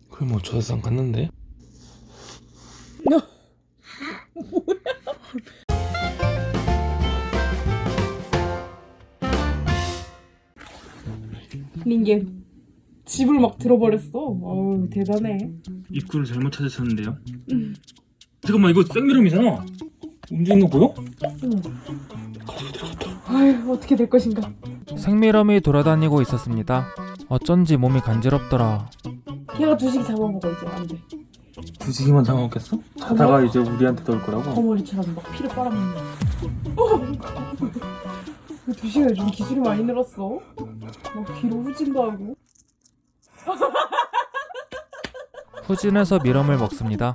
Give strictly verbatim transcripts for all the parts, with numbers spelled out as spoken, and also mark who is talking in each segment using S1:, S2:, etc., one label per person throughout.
S1: 그럼 뭐 저 세상 갔는데?
S2: 뭐야? 링게 집을 막 들어버렸어. 어우 대단해.
S1: 입구를 잘못 찾으셨는데요? 잠깐만, 이거 생미럼이잖아. 움직이는 거 보여?
S2: 아휴 어떻게 될 것인가.
S3: 생미럼이 돌아다니고 있었습니다. 어쩐지 몸이 간지럽더라.
S2: 걔가 두식이 잡아먹어 이제 안 돼.
S1: 두식이만 잡아먹겠어? 자다가 이제 우리한테 넣을 거라고?
S2: 거머리처럼 막 피를 빨아먹는. 어! 두식이 요즘 기술이 많이 늘었어. 막 뒤로 후진도 하고.
S3: 후진해서 미럼을 먹습니다.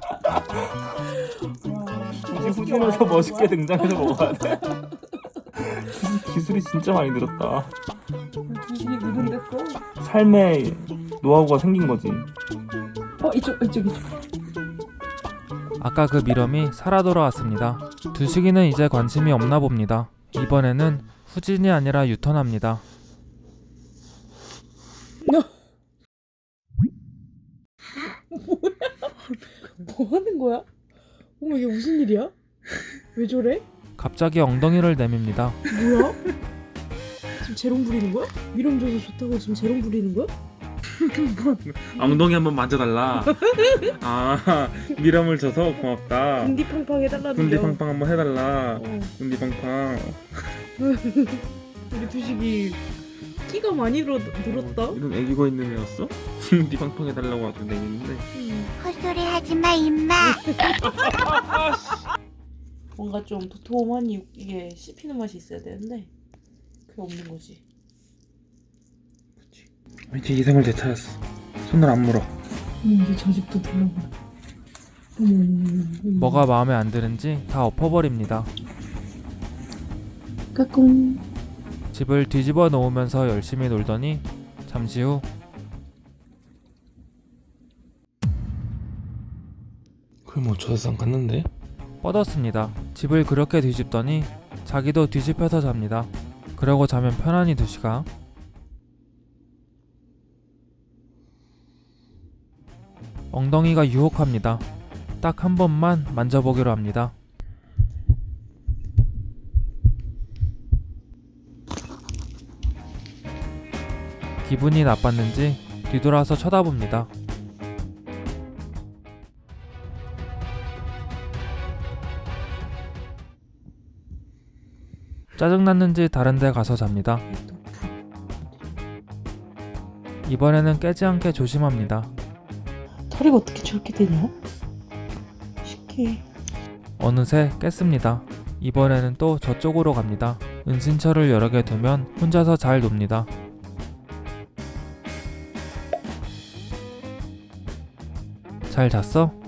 S1: 이제 후진해서 멋있게 등장해서 먹어야 돼. 기술이 진짜 많이 늘었다.
S2: 두식이 느른댔어.
S1: 삶에 노하우가 생긴 거지.
S2: 어 이쪽 이쪽 이쪽.
S3: 아까 그 미럼이 살아 돌아왔습니다. 두식이는 이제 관심이 없나 봅니다. 이번에는 후진이 아니라 유턴합니다.
S2: 뭐 하는 거야? 어머 이게 무슨 일이야? 왜 저래?
S3: 갑자기 엉덩이를 내밉니다.
S2: 뭐야? 지금 재롱 부리는 거야? 미럼 줘서 좋다고 지금 재롱 부리는 거야?
S1: 엉덩이 한번 만져달라. 아, 미럼을 줘서 고맙다.
S2: 군디팡팡 해달라는
S1: 군디팡팡 한번 해달라.
S2: 어.
S1: 군디팡팡.
S2: 우리 두식이 끼가 많이 늘어, 늘었다?
S1: 이런 애기가 있는 애였어? 군디팡팡 해달라고 아주 내있는데.
S4: 헛소리 하지마 임마.
S2: 뭔가 좀 도톰하니 이게 씹히는 맛이 있어야 되는데 그게 없는 거지.
S1: 이제 이성을 되찾았어. 손을 안 물어.
S2: 음, 이제 저 집도 둘러봐. 음,
S3: 뭐가 마음에 안 드는지 다 엎어버립니다.
S2: 까꿍.
S3: 집을 뒤집어 놓으면서 열심히 놀더니 잠시 후
S1: 그럼 뭐 저 세상 갔는데?
S3: 뻗었습니다. 집을 그렇게 뒤집더니 자기도 뒤집혀서 잡니다. 그러고 자면 편안히 두시가 엉덩이가 유혹합니다. 딱 한 번만 만져보기로 합니다. 기분이 나빴는지 뒤돌아서 쳐다봅니다. 짜증났는지 다른 데 가서 잡니다. 이번에는 깨지 않게 조심합니다.
S2: 털이가 어떻게 저렇게 되냐? 신기해.
S3: 어느새 깼습니다. 이번에는 또 저쪽으로 갑니다. 은신처를 여러 개 두면 혼자서 잘 놉니다. 잘 잤어?